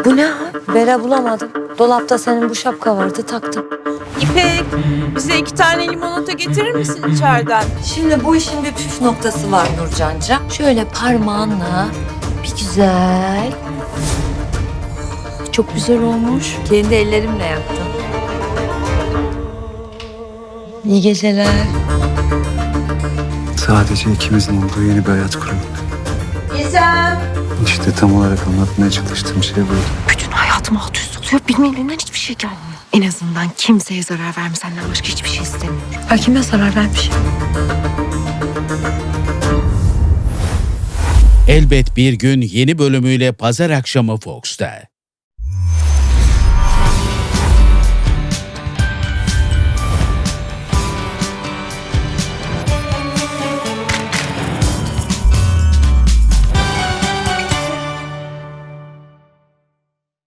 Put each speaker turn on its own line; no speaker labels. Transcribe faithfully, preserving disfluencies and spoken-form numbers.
Bu ne ha? Bere bulamadım. Dolapta senin bu şapka vardı, taktım.
İpek, bize iki tane limonata getirir misin içeriden?
Şimdi bu işin bir püf noktası var Nurcanca. Şöyle parmağınla bir güzel. Çok güzel olmuş. Kendi ellerimle yaptım. İyi geceler.
Sadece ikimizin olduğu yeni bir hayat kuralım.
Gizem.
İşte tam olarak anlatmaya çalıştığım şey buydu.
Bütün hayatım alt üst oluyor. Benim elimden hiçbir şey gelmiyor. En azından kimseye zarar verme, senden başka hiçbir şey istemiyorum.
Ha, kime zarar vermiş?
Elbet Bir Gün yeni bölümüyle pazar akşamı Fox'ta.